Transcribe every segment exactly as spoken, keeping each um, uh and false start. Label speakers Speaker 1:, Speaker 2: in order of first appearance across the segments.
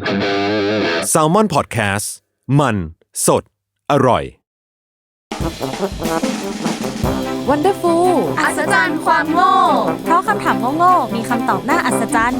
Speaker 1: Salmon Podcast มันสดอร่อย
Speaker 2: Wonderful
Speaker 3: อัศจรรย์ความโง่
Speaker 2: เพราะคำถามโง่ๆมีคำตอบน่าอัศจรรย์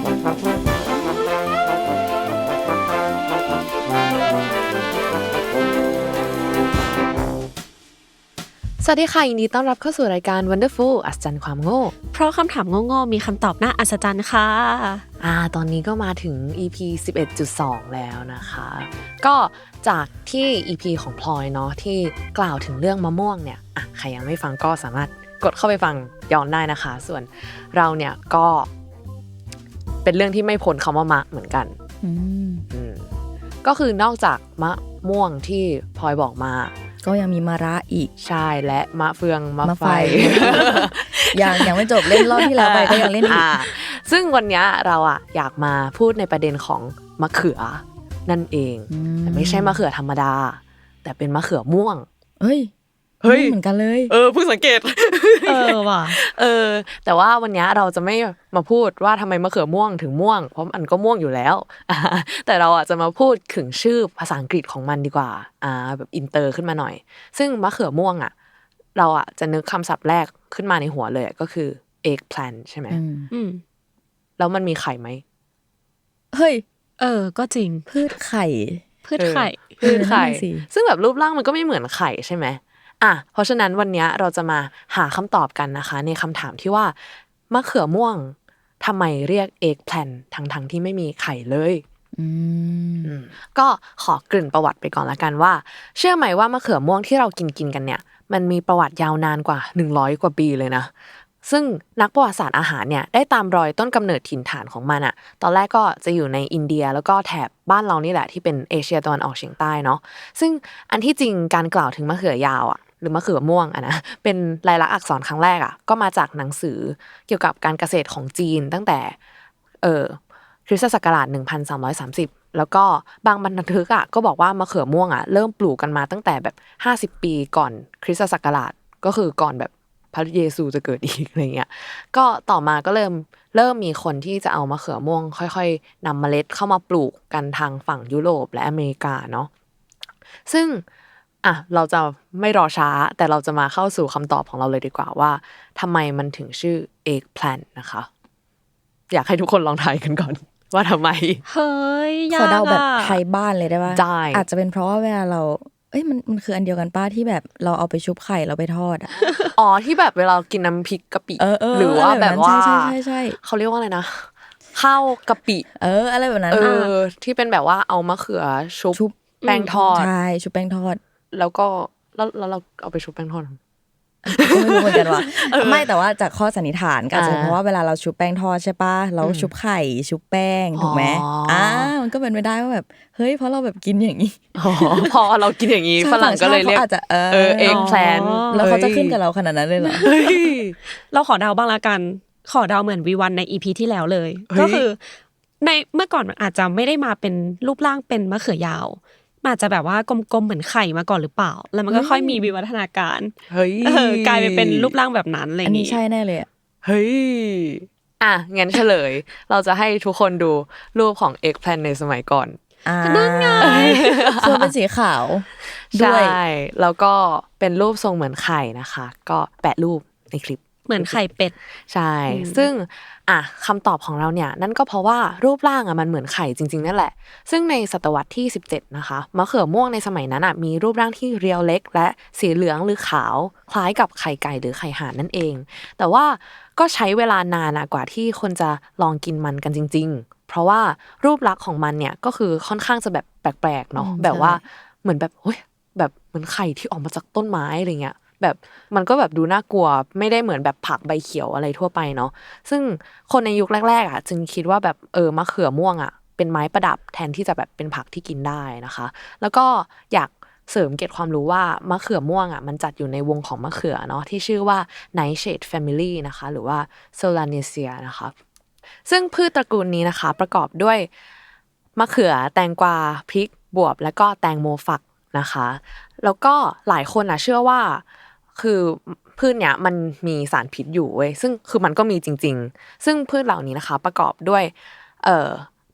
Speaker 2: สวัสดีค่ะยินดีต้อนรับเข้าสู่รายการ Wonderful อัศจรรย์ความโง่
Speaker 3: เพราะคำถามโง่ๆมีคำตอบน่าอัศจรรย์ค่ะ
Speaker 2: อ่าตอนนี้ก็มาถึง อี พี สิบเอ็ดจุดสอง แล้วนะคะก็จากที่ อี พี ของพลอยเนาะที่กล่าวถึงเรื่องมะม่วงเนี่ยอ่ะใครยังไม่ฟังก็สามารถกดเข้าไปฟังย้อนได้นะคะส่วนเราเนี่ยก็เป็นเรื่องที่ไม่พ้นคำว่ามะเหมือนกันอืมอืมก็คือนอกจากมะม่วงที่พลอยบอกมา
Speaker 4: ก็ยังมีมะระอีก
Speaker 2: ใช่และมะเฟืองมะไฟ
Speaker 4: ยังยังไม่จบเล่นรอบที่แล้วไปก็ยังเล่นอีก
Speaker 2: ซึ่งวันนี้เราอ่ะอยากมาพูดในประเด็นของมะเขือนั่นเองแต่ไม่ใช่มะเขือธรรมดาแต่เป็นมะเขือม่วง
Speaker 4: เฮ้ยเฮ้ยเหมือนกันเลย
Speaker 2: เออเพิ่งสังเกต
Speaker 3: เออว่ะ
Speaker 2: เออแต่ว่าวันนี้เราจะไม่มาพูดว่าทำไมมะเขือม่วงถึงม่วงเพราะมันก็ม่วงอยู่แล้วแต่เราอ่ะจะมาพูดถึงชื่อภาษาอังกฤษของมันดีกว่าอ่าแบบอินเตอร์ขึ้นมาหน่อยซึ่งมะเขือม่วงอ่ะเราอ่ะจะนึกคำศัพท์แรกขึ้นมาในหัวเลยก็คือ eggplant ใช่ไหมอืมแล้วมันมีไข่ไหม
Speaker 4: เฮ้ย
Speaker 3: เออก็จริง
Speaker 4: พืชไข่
Speaker 3: พืชไข่
Speaker 2: พืชไข่ซึ่งแบบรูปร่างมันก็ไม่เหมือนไข่ใช่ไหมอ่ะเพราะฉะนั้นวันนี้เราจะมาหาคำตอบกันนะคะในคำถามที่ว่ามะเขือม่วงทำไมเรียก eggplant ทั้งๆที่ไม่มีไข่เลยอืมก็ขอกลิ่นประวัติไปก่อนละกันว่าเชื่อไหมว่ามะเขือม่วงที่เรากินกินกันเนี่ยมันมีประวัติยาวนานกว่าหนึ่งร้อยกว่าปีเลยนะซึ่งนักประวัติศาสตร์อาหารเนี่ยได้ตามรอยต้นกำเนิดถิ่นฐานของมันอะตอนแรกก็จะอยู่ในอินเดียแล้วก็แถบบ้านเรานี่แหละที่เป็นเอเชียตะวันออกเฉียงใต้เนาะซึ่งอันที่จริงการกล่าวถึงมะเขือยาวอะหรือมะเขือม่วงอะนะเป็นลายลักษณ์อักษรครั้งแรกอะก็มาจากหนังสือเกี่ยวกับการเกษตรของจีนตั้งแต่เอ่อคริสตศักราชหนึ่งพันสามร้อยสามสิบแล้วก็บางบรรทึกอ่ะก็บอกว่ามะเขือม่วงอ่ะเริ่มปลูกกันมาตั้งแต่แบบห้าสิบปีก่อนคริสตศักราชก็คือก่อนแบบพระเยซูจะเกิดอีกอะไรเงี้ยก็ต่อมาก็เริ่มเริ่มมีคนที่จะเอามะเขือม่วงค่อยๆนำเมล็ดเข้ามาปลูกกันทางฝั่งยุโรปและอเมริกาเนาะซึ่งอ่ะเราจะไม่รอช้าแต่เราจะมาเข้าสู่คำตอบของเราเลยดีกว่าว่าทำไมมันถึงชื่อ eggplant นะคะอยากให้ทุกคนลองทายกันก่อนว่าทำไม
Speaker 3: เฮ้ยยาก
Speaker 4: ขอเดาแบบไทยบ้านเลยได้ป่ะ
Speaker 2: ได้
Speaker 4: อาจจะเป็นเพราะว่าเวลาเราเอ้ยมันมันคืออันเดียวกันป้าที่แบบเราเอาไปชุบไข่เราไปทอดอ่ะ
Speaker 2: อ๋อที่แบบเวลากินน้ำพริกกะปิหรือว่าแบบว่า
Speaker 4: ใช่ใช่
Speaker 2: เขาเรียกว่าอะไรนะข้าวกะปิ
Speaker 4: เอออะไรแบบนั้น
Speaker 2: เออที่เป็นแบบว่าเอามะเขือชุบแป้งทอด
Speaker 4: ใช่ชุบแป้งทอด
Speaker 2: แล้วก็แล้วแล้วเราเอาไปชุบแป้งทอด
Speaker 4: ก็ไม่รู้เหมือนกันว่าไม่แต่ว่าจากข้อสันนิษฐานก็อาจจะเพราะว่าเวลาเราชุบแป้งทอดใช่ป่ะเราชุบไข่ชุบแป้งถูกไหมอ่ามันก็เป็นไปได้ว่าแบบเฮ้ยเพราะเราแบบกินอย่างนี้
Speaker 2: พอเรากินอย่างนี้ฝรั่งก็เลยเรียก
Speaker 4: อาจจะเอ
Speaker 2: อเอ็กแพลน
Speaker 4: แล้วเขาจะขึ้นกับเราขนาดนั้นเลยเหรอ
Speaker 3: เราขอเดาบ้างละกันขอเดาเหมือนวีวันใน อี พี ที่แล้วเลยก็คือในเมื่อก่อนมันอาจจะไม่ได้มาเป็นรูปร่างเป็นมะเขือยาวมันอาจจะแบบว่ากลมๆเหมือนไข่มาก่อนหรือเปล่าแล้วมันก็ค่อยมีวิวัฒนาการ
Speaker 2: เฮ้ย
Speaker 3: กลายไปเป็นรูปร่างแบบนั้นอะไรอย่าง
Speaker 4: งี้อันนี้ใช่แน่เลยอ่ะ
Speaker 2: เฮ้ยอ่ะงั้นเฉลยเราจะให้ทุกคนดูรูปของ eggplant ในสมัยก่อน
Speaker 4: อ่านั่นไงส่วนเป็นสีขาว
Speaker 2: ด้วยใช่แล้วก็เป็นรูปทรงเหมือนไข่นะคะก็แปะรูปในคลิป
Speaker 3: เหมือนไข่เป็ด
Speaker 2: ใช่ซึ่งอ่ะคำตอบของเราเนี่ยนั่นก็เพราะว่ารูปร่างอ่ะมันเหมือนไข่จริงๆนั่นแหละซึ่งในศตวรรษที่สิบเจ็ดนะคะมะเขือม่วงในสมัยนั้นอ่ะมีรูปร่างที่เรียวเล็กและสีเหลืองหรือขาวคล้ายกับไข่ไก่หรือไข่ห่านนั่นเองแต่ว่าก็ใช้เวลานานกว่าที่คนจะลองกินมันกันจริงๆเพราะว่ารูปลักษณ์ของมันเนี่ยก็คือค่อนข้างจะแบบแปลกๆเนาะแบบว่าเหมือนแบบเฮ้ยแบบเหมือนไข่ที่ออกมาจากต้นไม้อะไรเงี้ยแบบมันก็แบบดูน่ากลัวไม่ได้เหมือนแบบผักใบเขียวอะไรทั่วไปเนาะซึ่งคนในยุคแรกๆอ่ะจึงคิดว่าแบบเออมะเขือม่วงอ่ะเป็นไม้ประดับแทนที่จะแบบเป็นผักที่กินได้นะคะแล้วก็อยากเสริมเกร็ดความรู้ว่ามะเขือม่วงอ่ะมันจัดอยู่ในวงของมะเขือเนาะที่ชื่อว่า Nightshade Family นะคะหรือว่า Solanaceae นะคะซึ่งพืชตระกูลนี้นะคะประกอบด้วยมะเขือแตงกวาพริกบวบและก็แตงโมฝักนะคะแล้วก็หลายคนอ่ะเชื่อว่าคือพืชเนี้ยมันมีสารพิษอยู่เว้ยซึ่งคือมันก็มีจริงๆซึ่งพืชเหล่านี้นะคะประกอบด้วยเอ่อ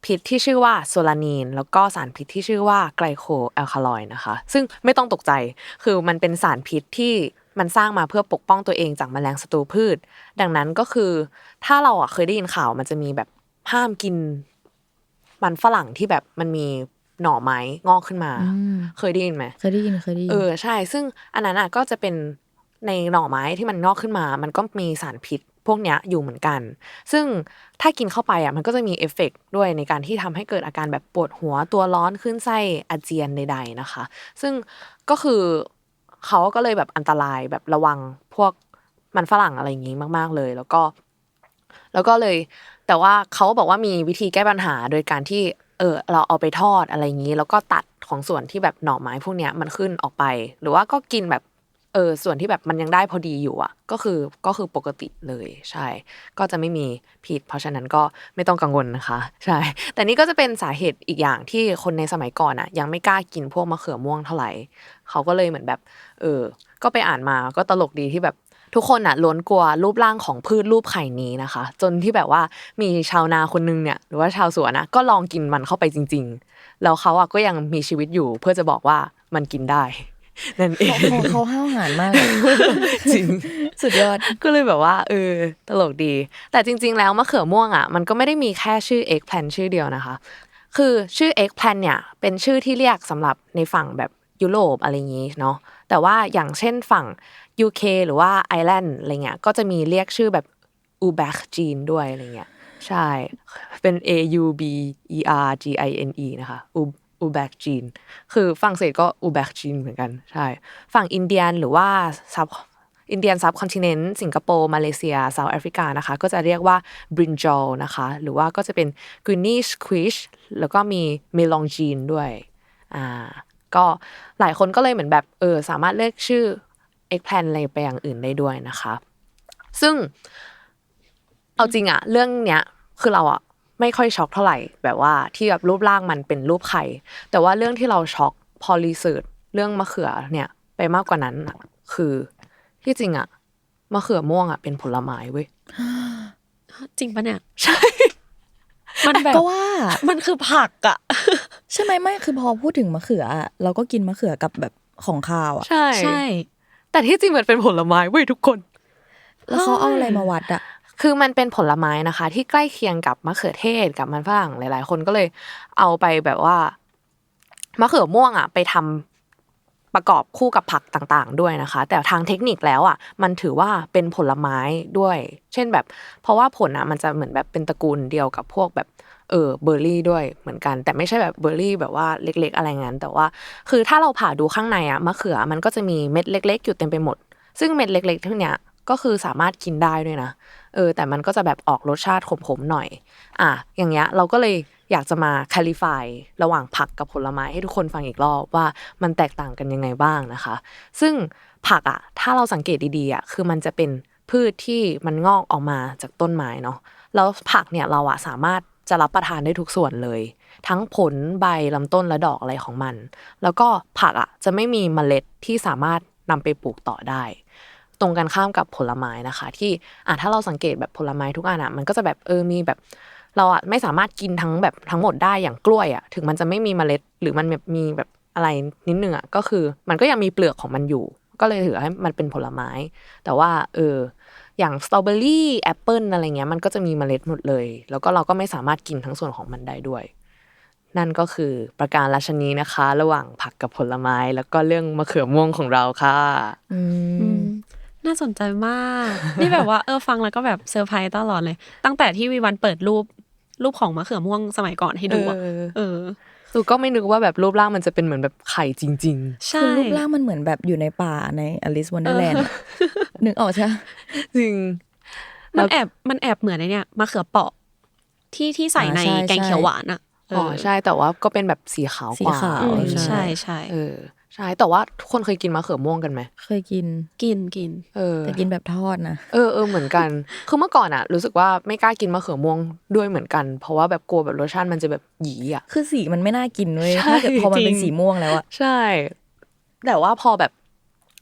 Speaker 2: พิษที่ชื่อว่าโซลานีนแล้วก็สารพิษที่ชื่อว่าไกลโคแอลคาลอยด์นะคะซึ่งไม่ต้องตกใจคือมันเป็นสารพิษที่มันสร้างมาเพื่อปกป้องตัวเองจากแมลงศัตรูพืชดังนั้นก็คือถ้าเราอ่ะเคยได้ยินข่าวมันจะมีแบบห้ามกินมันฝรั่งที่แบบมันมีหน่อไม้งอกขึ้นมาเคยได้ยินไหม
Speaker 4: เคยได้ยินเคยได้ยิน
Speaker 2: เออใช่ซึ่งอันนั้นอ่ะก็จะเป็นในหน่อไม้ที่มันงอกขึ้นมามันก็มีสารพิษพวกเนี้ยอยู่เหมือนกันซึ่งถ้ากินเข้าไปอ่ะมันก็จะมีเอฟเฟกต์ด้วยในการที่ทำให้เกิดอาการแบบปวดหัวตัวร้อนขึ้นไส้อาเจียนใดๆนะคะซึ่งก็คือเขาก็เลยแบบอันตรายแบบระวังพวกมันฝรั่งอะไรอย่างงี้มากๆเลยแล้วก็แล้วก็เลยแต่ว่าเขาบอกว่ามีวิธีแก้ปัญหาโดยการที่เออเราเอาไปทอดอะไรอย่างงี้แล้วก็ตัดของส่วนที่แบบหน่อไม้พวกเนี้ยมันขึ้นออกไปหรือว่าก็กินแบบเออส่วนที่แบบมันยังได้พอดีอยู่อ่ะก็คือก็คือปกติเลยใช่ก็จะไม่มีพิษเพราะฉะนั้นก็ไม่ต้องกังวลนะคะใช่แต่นี่ก็จะเป็นสาเหตุอีกอย่างที่คนในสมัยก่อนอ่ะยังไม่กล้ากินพวกมะเขือม่วงเท่าไหร่เขาก็เลยเหมือนแบบเออก็ไปอ่านมาก็ตลกดีที่แบบทุกคนอ่ะล้วนกลัวรูปร่างของพืชรูปไข่นี้นะคะจนที่แบบว่ามีชาวนาคนนึงเนี่ยหรือว่าชาวสวนนะก็ลองกินมันเข้าไปจริงๆแล้วเขาอ่ะก็ยังมีชีวิตอยู่เพื่อจะบอกว่ามันกินได้นั่นเอง
Speaker 4: เขาเขาห้าวหาญมาก
Speaker 2: จริง
Speaker 4: สุดยอด
Speaker 2: ก็เลยแบบว่าเออตลกดีแต่จริงๆแล้วมะเขือม่วงอ่ะมันก็ไม่ได้มีแค่ชื่อ eggplant ชื่อเดียวนะคะคือชื่อ eggplant เนี่ยเป็นชื่อที่เรียกสำหรับในฝั่งแบบยุโรปอะไรอย่างงี้เนาะแต่ว่าอย่างเช่นฝั่ง ยู เค หรือว่าไอร์แลนด์อะไรเงี้ยก็จะมีเรียกชื่อแบบ aubergine ด้วยอะไรเงี้ยใช่เป็น A U B E R G I N E นะคะอูแบกจีนคือฝรั่งเศสก็อูแบกจีนเหมือนกันใช่ฝั่งอินเดียนหรือว่าซับอินเดียนซับคอนติเนนต์สิงคโปร์มาเลเซียเซาท์แอฟริกานะคะก็จะเรียกว่าบรินจอลนะคะหรือว่าก็จะเป็นกรีนนี่สควิชแล้วก็มีเมลองจีนด้วยอ่าก็หลายคนก็เลยเหมือนแบบเออสามารถเรียกชื่อเอ็กแพลนอะไรไปอย่างอื่นได้ด้วยนะคะซึ่งเอาจริงอะเรื่องเนี้ยคือเราอะไม่ค่อยช็อกเท่าไหร่แบบว่าที่แบบรูปร่างมันเป็นรูปไข่แต่ว่าเรื่องที่เราช็อกพอรีเสิร์ชเรื่องมะเขือเนี่ยไปมากกว่านั้นคือที่จริงอะมะเขือม่วงอะเป็นผลไม้เว้ย
Speaker 3: จริงปะเนี่ย
Speaker 2: ใช่
Speaker 3: มันแบบ
Speaker 4: ก็ว่า
Speaker 3: มันคือผักอะ
Speaker 4: ใช่ไหมไม่คือพอพูดถึงมะเขือเราก็กินมะเขือกับแบบของคาวอะ
Speaker 2: ใช่ใช่แต่ที่จริงมันเป็นผลไม้เว้ยทุกคน
Speaker 4: แล้วเขาเอาอะไรมาวัดอะ
Speaker 2: คือมันเป็นผลไม้นะคะที่ใกล้เคียงกับมะเขือเทศกับมันฝรั่งหลายๆคนก็เลยเอาไปแบบว่ามะเขือม่วงอ่ะไปทำประกอบคู่กับผักต่างๆด้วยนะคะแต่ทางเทคนิคแล้วอ่ะมันถือว่าเป็นผลไม้ด้วยเช่นแบบเพราะว่าผลอ่ะมันจะเหมือนแบบเป็นตระกูลเดียวกับพวกแบบเออเบอร์รี่ด้วยเหมือนกันแต่ไม่ใช่แบบเบอร์รี่แบบว่าเล็กๆอะไรงั้นแต่ว่าคือถ้าเราผ่าดูข้างในอ่ะมะเขือมันก็จะมีเม็ดเล็กๆอยู่เต็มไปหมดซึ่งเม็ดเล็กๆทั้งเนี้ยก็คือสามารถกินได้ด้วยนะเออแต่มันก็จะแบบออกรสชาติขมๆหน่อยอ่ะอย่างเงี้ยเราก็เลยอยากจะมาคลิฟายระหว่างผักกับผลไม้ให้ทุกคนฟังอีกรอบว่ามันแตกต่างกันยังไงบ้างนะคะซึ่งผักอ่ะถ้าเราสังเกตดีๆอ่ะคือมันจะเป็นพืชที่มันงอกออกมาจากต้นไม้เนาะแล้วผักเนี่ยเราอ่ะสามารถจะรับประทานได้ทุกส่วนเลยทั้งผลใบลำต้นและดอกอะไรของมันแล้วก็ผักอ่ะจะไม่มีเมล็ดที่สามารถนำไปปลูกต่อได้ตรงกันข้ามกับผลไม้นะคะที่อ่ะถ้าเราสังเกตแบบผลไม้ทุกอันอ่ะมันก็จะแบบเออมีแบบเราอ่ะไม่สามารถกินทั้งแบบทั้งหมดได้อย่างกล้วยอ่ะถึงมันจะไม่มีเมล็ดหรือมันแบบมีแบบอะไรนิดนึงอ่ะก็คือมันก็ยังมีเปลือกของมันอยู่ก็เลยถือให้มันเป็นผลไม้แต่ว่าเอออย่างสตรอเบอรี่แอปเปิลอะไรเงี้ยมันก็จะมีเมล็ดหมดเลยแล้วก็เราก็ไม่สามารถกินทั้งส่วนของมันได้ด้วยนั่นก็คือประการราชนีนะคะระหว่างผักกับผลไม้แล้วก็เรื่องมะเขือม่วงของเราค่ะ
Speaker 4: อืม
Speaker 3: น่าสนใจมากนี่แบบว่าเออฟังแล้วก็แบบเซอร์ไพรส์ตลอดเลยตั้งแต่ที่วีวันเปิดรูปรูปของมะเขือม่วงสมัยก่อนให้ดูอ่ะเออ
Speaker 2: ตูก็ไม่นึกว่าแบบรูปร่างมันจะเป็นเหมือนแบบไข่จริง
Speaker 4: ๆคือรูปร่างมันเหมือนแบบอยู่ในป่าใน Alice Wonderland นึกออกใช่
Speaker 2: จริง
Speaker 3: มันแอบมันแอบเหมือนไอ้เนี่ยมะเขือเปาะที่ที่ใส่ในแกงเขียวหวานอ่ะ
Speaker 2: อ๋อใช่แต่ว่าก็เป็นแบบสีขาวกว่า
Speaker 3: ใช่ใช่
Speaker 2: เออใช่แต่ว่าทุกคนเคยกินมะเขือม่วงกันไหม
Speaker 4: เคยกิน
Speaker 3: กินกิน
Speaker 2: เออ
Speaker 4: แต่กินแบบทอดนะ
Speaker 2: เออเออเหมือนกันคือเมื่อก่อนอ่ะรู้สึกว่าไม่กล้ากินมะเขือม่วงด้วยเหมือนกันเพราะว่าแบบกลัวแบบรสชาติมันจะแบบหยีอ่ะ
Speaker 4: คือสีมันไม่น่ากินเว้ยถ้าเกิดพอมันเป็นสีม่วงแล้วอ่ะ
Speaker 2: ใช่แต่ว่าพอแบบ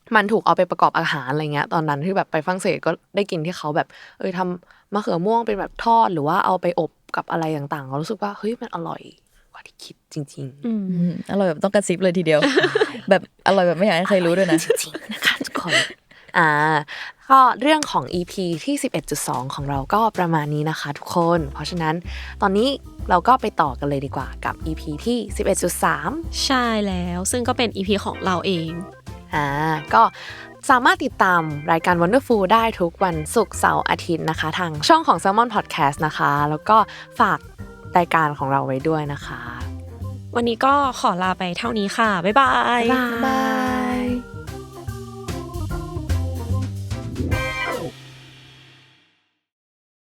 Speaker 2: มันถูกเอาไปประกอบอาหารอะไรเงี้ยตอนนั้นที่แบบไปฝรั่งเศสก็ได้กินที่เขาแบบเออทำมะเขือม่วงเป็นแบบทอดหรือว่าเอาไปอบกับอะไรต่างๆเรารู้สึกว่าเฮ้ยมันอร่อยกว่าที่คิดจริงๆ
Speaker 3: อืม
Speaker 4: อืมอร่อยแบบต้องกระซิบเลยทีเดียว แบบอร่อยแบบไม่อยากให้ใครรู้ด้วยนะ
Speaker 2: จริงๆนะคะทุกคนอ่าก็เรื่องของ อี พี ที่ สิบเอ็ดจุดสอง ของเราก็ประมาณนี้นะคะทุกคนเพราะฉะนั้นตอนนี้เราก็ไปต่อกันเลยดีกว่ากับ อี พี ที่ สิบเอ็ดจุดสาม
Speaker 3: ใช่แล้วซึ่งก็เป็น อี พี ของเราเอง
Speaker 2: อ่าก็สามารถติดตามรายการ Wonderful ได้ทุกวันศุกร์เสาร์อาทิตย์นะคะทางช่องของ Salmon Podcast นะคะแล้วก็ฝากรายการของเราไว้ด้วยนะคะ
Speaker 3: วันนี้ก็ขอลาไปเท่านี้ค่ะบ๊ายบาย
Speaker 2: บ๊ายบาย